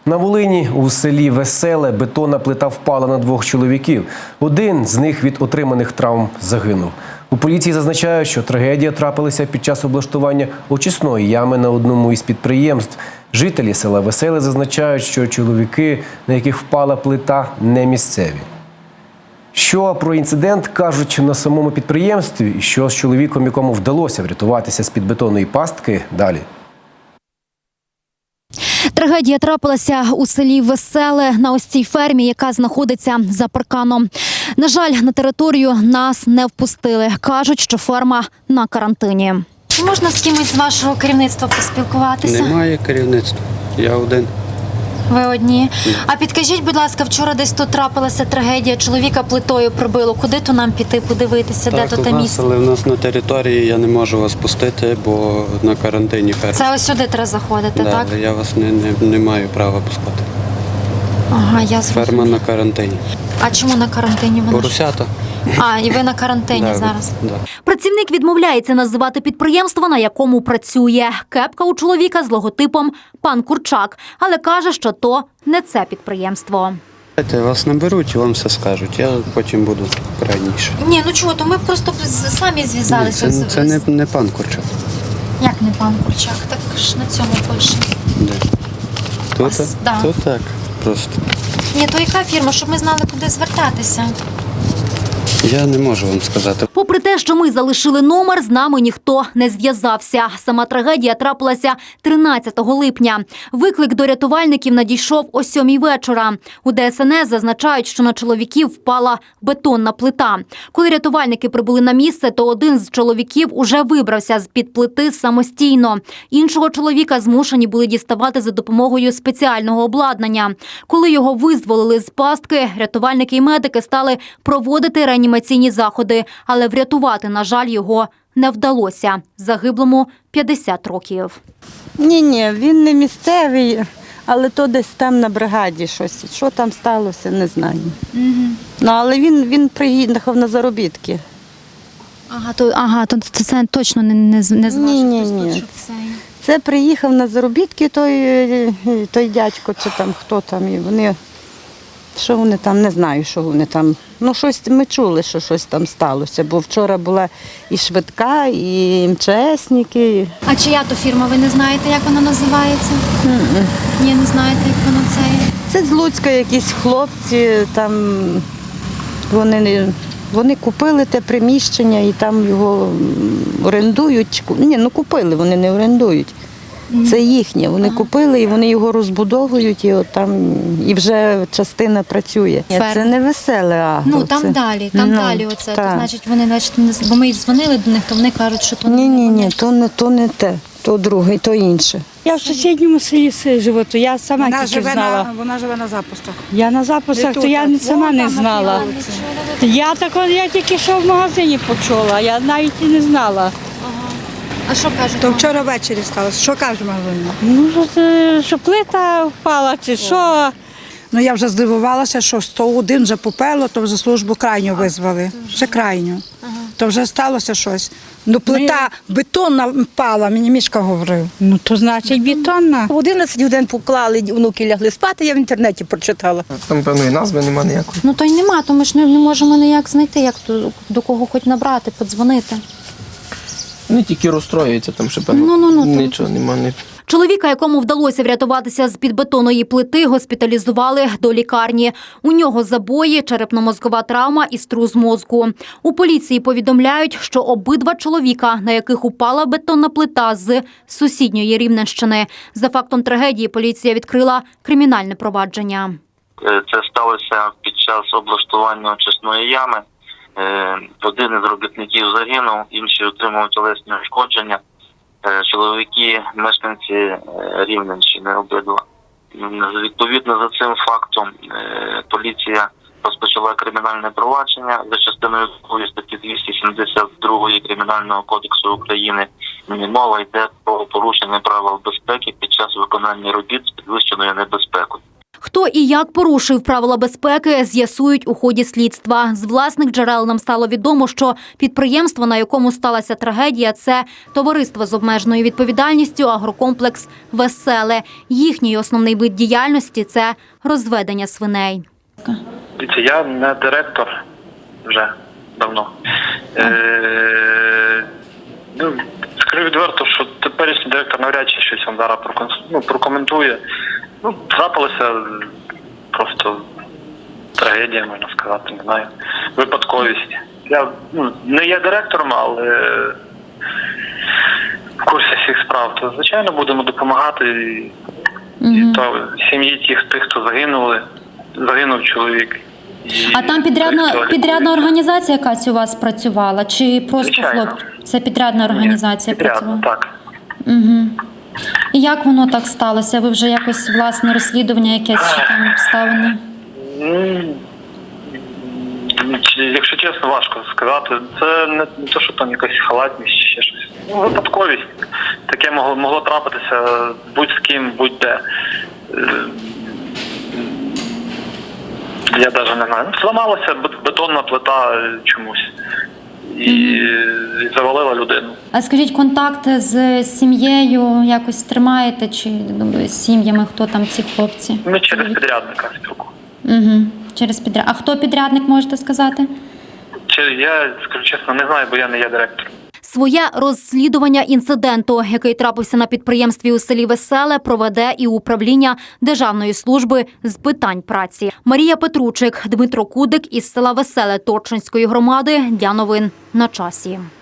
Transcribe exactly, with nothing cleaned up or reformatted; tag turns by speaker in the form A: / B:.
A: На Волині у селі Веселе бетонна плита впала на двох чоловіків. Один з них від отриманих травм загинув. У поліції зазначають, що трагедія трапилася під час облаштування очисної ями на одному із підприємств. Жителі села Веселе зазначають, що чоловіки, на яких впала плита, не місцеві. Що про інцидент кажуть на самому підприємстві і що з чоловіком, якому вдалося врятуватися з-під бетонної пастки, далі.
B: Трагедія трапилася у селі Веселе на ось цій фермі, яка знаходиться за парканом. На жаль, на територію нас не впустили. Кажуть, що ферма на карантині. Чи можна з кимось з вашого керівництва поспілкуватися?
C: Немає керівництва. Я один.
B: Ви одні. А підкажіть, будь ласка, вчора десь тут трапилася трагедія, чоловіка плитою прибило. Куди то нам піти, подивитися,
C: Так,
B: де то те
C: нас,
B: місце?
C: але в нас на території я не можу вас пустити, бо на карантині ферма.
B: Це ось сюди треба заходити,
C: Да,
B: так?
C: але я вас не, не, не маю права пускати.
B: Ага, я зрозуміла.
C: Ферма на карантині.
B: А чому на карантині вона?
C: Поросята.
B: А, і ви на карантині
C: Да,
B: зараз?
C: Да.
B: Працівник відмовляється називати підприємство, на якому працює. Кепка у чоловіка з логотипом «Пан Курчак», але каже, що то не це підприємство.
C: Вас наберуть і вам все скажуть. Я потім буду крайніший.
B: Ні, ну чого, то ми просто самі
C: Ні,
B: зв'язалися.
C: це, це не, не пан Курчак.
B: Як не пан Курчак? Так ж на цьому пише.
C: Де? Тут,
B: Ось, да.
C: тут так просто.
B: Ні, то яка фірма, щоб ми знали, куди звертатися?
C: Я не можу вам сказати.
B: Попри те, що ми залишили номер, з нами ніхто не зв'язався. Сама трагедія трапилася тринадцятого липня. Виклик до рятувальників надійшов о сьомій вечора. У Де Ес Ен Ес зазначають, що на чоловіків впала бетонна плита. Коли рятувальники прибули на місце, то один з чоловіків уже вибрався з-під плити самостійно. Іншого чоловіка змушені були діставати за допомогою спеціального обладнання. Коли його визволили з пастки, рятувальники і медики стали проводити реанімаційні заходи, але врятувати, на жаль, його не вдалося. Загиблому п'ятдесят років.
D: Ні-ні, він не місцевий, але то десь там на бригаді щось. Що там сталося, не знаю. Угу. Ну, але він, він приїхав на заробітки.
B: Ага, то, ага, то це, це точно не, не, не знаю.
D: Ні-ні-ні.
B: Це...
D: Це приїхав на заробітки той, той дядько, чи там хто там, і вони, що вони там, не знаю, що вони там. Ну, щось ми чули, що щось там сталося, бо вчора була і швидка, і ем че есники.
B: А чия то фірма, ви не знаєте, як вона називається?
D: Mm-mm.
B: Ні, не знаєте, як вона це є?
D: Це з Луцька якісь хлопці, там вони, вони купили те приміщення і там його орендують. Ні, ну купили, вони не орендують. Це їхнє. Вони ага. купили і вони його розбудовують, і от там і вже частина працює.
B: Ферм.
D: Це не Веселе агро.
B: Ну там
D: це...
B: далі, там
D: ну,
B: далі оце.
D: Так.
B: То, значить, вони значить, не бо ми дзвонили до них, то вони кажуть, що то не
D: ні, ні, ні, то не то не те, то друге, то інше.
E: Я в сусідньому селі живу, то я сама
F: вона
E: тільки
F: живе
E: знала.
F: На, вона живе на запусках.
E: Я на запусках, то
F: тут,
E: я
F: а
E: сама не знала. Я так, я тільки що в магазині почула, я навіть і не знала.
B: А що кажуть?
F: То вчора ввечері сталося. Що каже Марина?
E: Ну, що, це, що плита впала, чи що.
F: Ну я вже здивувалася, що сто один вже попело, то вже службу крайню визвали. Вже крайню. То вже сталося щось. Ну плита бетонна впала, мені Мішка говорив.
E: Ну, то значить бетонна.
G: В одинадцять годин поклали, внуки лягли спати, я в інтернеті прочитала.
H: Там, певно, і назви немає ніякої.
B: Ну то й нема, то ми ж не, не можемо ніяк знайти, як до, до кого хоч набрати, подзвонити.
H: Вони тільки розстроюються, там ще, певно,
B: Ну, ну, ну,
H: нічого немає.
B: Чоловіка, якому вдалося врятуватися з-під бетонної плити, госпіталізували до лікарні. У нього забої, черепно-мозкова травма і струс мозку. У поліції повідомляють, що обидва чоловіка, на яких упала бетонна плита з сусідньої Рівненщини. За фактом трагедії поліція відкрила кримінальне провадження.
I: Це сталося під час облаштування очисної ями. Один із робітників загинув, інші отримали тілесні ушкодження. Чоловіки, мешканці Рівненщини обидва. Відповідно за цим фактом поліція розпочала кримінальне провадження за частиною статті двісті сімдесят два Кримінального кодексу України. Мова йде про порушення правил безпеки під час виконання робіт з підвищеною небезпекою.
B: Хто і як порушив правила безпеки, з'ясують у ході слідства. З власних джерел нам стало відомо, що підприємство, на якому сталася трагедія, це товариство з обмеженою відповідальністю «Агрокомплекс Веселе». Їхній основний вид діяльності – це розведення свиней.
J: Дивіться, я не директор вже давно. Е, ну, скажу відверто, що теперішній директор навряд чи щось вам зараз прокон- ну, прокоментує. Ну, трапилася просто трагедія, можна сказати, не знаю, випадковість. Я ну, не є директором, але в курсі всіх справ. То, звичайно, будемо допомагати і, і то сім'ї тих, тих, хто загинули, загинув чоловік. І
B: А там
J: той,
B: підрядна,
J: хто
B: підрядна організація якась у вас працювала? Чи просто
J: Звичайно.
B: хлоп? Це підрядна організація
J: Ні, підрядно,
B: працювала?
J: так.
B: Угу. І як воно так сталося? Ви вже якось власне розслідування якесь чи там обставини?
J: Ну, чи- якщо чесно, важко сказати. Це не, не те, що там якась халатність чи ще щось. Ну, випадковість. Таке могло, могло трапитися будь з ким, будь-де. Е, Я навіть не знаю. Ну, зламалася бет- бетонна плита чомусь. І, і завалила людину.
B: А скажіть, контакти з сім'єю якось тримаєте? Чи ну, з сім'ями, хто там ці хлопці?
J: Ми через підрядника спілкуємося.
B: Угу. Через підряд. А хто підрядник, можете сказати?
J: Чи я, скажу чесно, не знаю, бо я не є директором.
B: Своє розслідування інциденту, який трапився на підприємстві у селі Веселе, проведе і управління Державної служби з питань праці. Марія Петручик, Дмитро Кудик із села Веселе Торчинської громади. Для новин на часі.